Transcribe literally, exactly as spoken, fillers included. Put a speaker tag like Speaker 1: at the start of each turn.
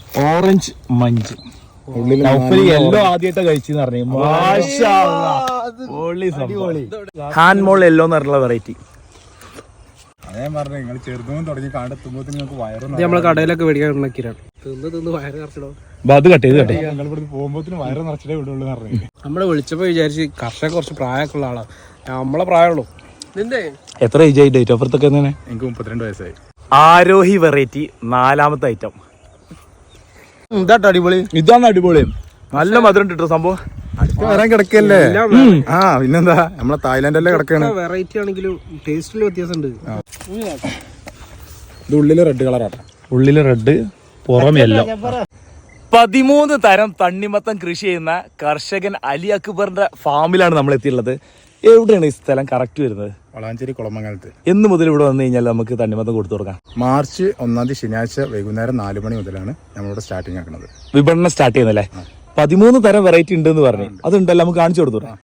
Speaker 1: Orange Munch yellow ആദ്യമായിട്ട് കഴിച്ചെന്ന് പറഞ്ഞു. Hand മോൾ yellow എന്ന് പറഞ്ഞുള്ള വെറൈറ്റി.
Speaker 2: അതേ പറഞ്ഞു നിങ്ങൾ ചെറുതും തുടങ്ങി കാണ്ടെത്തുമ്പോ നിങ്ങൾക്ക് വയറും
Speaker 3: നമ്മളെ കടയിലൊക്കെ മേടിക്കാൻ ഉണ്ടാക്കിയാണ് തിന്ന് തിന്ന് വയറ് നിറച്ചിടോ.
Speaker 1: അത് കട്ട് ചെയ്ത് കട്ടെ
Speaker 2: ഞങ്ങൾ ഇവിടെ പോകുമ്പോത്തിന് വയറ് നിറച്ചിട്ടേ വിടുള്ളൂ പറഞ്ഞു.
Speaker 3: നമ്മളെ വിളിച്ചപ്പോ വിചാരിച്ച് കർഷക കുറച്ച് പ്രായമൊക്കെ ഉള്ള ആളാ. നമ്മളെ പ്രായമുള്ളൂ. നിന്റെ
Speaker 1: എത്ര ഏജ് ആയി? ഡേറ്റ് ഓഫ് ബർത്ത് ഒക്കെ തന്നെ?
Speaker 2: എനിക്ക് മുപ്പത്തിരണ്ട് വയസ്സായി.
Speaker 1: ആരോഹി വെറൈറ്റി നാലാമത്തെ ഐറ്റം.
Speaker 3: ഇതാട്ടോ അടിപൊളി.
Speaker 1: ഇതാണ് അടിപൊളി. നല്ല മധുരം കിട്ടും സംഭവം.
Speaker 2: അടുത്ത് വരാൻ കിടക്കല്ലേ? ആ പിന്നെന്താ നമ്മളെ തായ്ലാൻഡല്ലേ കിടക്കാണ്.
Speaker 3: വെറൈറ്റി ആണെങ്കിലും ടേസ്റ്റിൽ വ്യത്യാസമുണ്ട്.
Speaker 2: ഇത് ഉള്ളില് റെഡ് കളറാട്ടോ.
Speaker 1: ഉള്ളില് റെഡ്, പുറമെല്ലോ. പതിമൂന്ന് തരം തണ്ണിമത്തം കൃഷി ചെയ്യുന്ന കർഷകൻ അലി അക്ബറിന്റെ ഫാമിലാണ് നമ്മൾ എത്തിയുള്ളത്. എവിടെയാണ് ഈ സ്ഥലം കറക്റ്റ് വരുന്നത്?
Speaker 2: വളാഞ്ചേരി കുളമംഗലത്ത്.
Speaker 1: എന്ന് മുതൽ ഇവിടെ വന്നു കഴിഞ്ഞാൽ നമുക്ക് തണ്ണിമത്തം കൊടുത്തു കൊടുക്കാം?
Speaker 2: മാർച്ച് ഒന്നാം തീയതി ശനിയാഴ്ച വൈകുന്നേരം നാല് മണി മുതലാണ് നമ്മളിവിടെ സ്റ്റാർട്ടിങ് ആക്കുന്നത്.
Speaker 1: വിപണനം സ്റ്റാർട്ട് ചെയ്യുന്നല്ലേ? പതിമൂന്ന് തരം വെറൈറ്റി ഉണ്ടെന്ന് പറഞ്ഞു. അതുണ്ടല്ലോ, നമുക്ക് കാണിച്ചു കൊടുത്തു.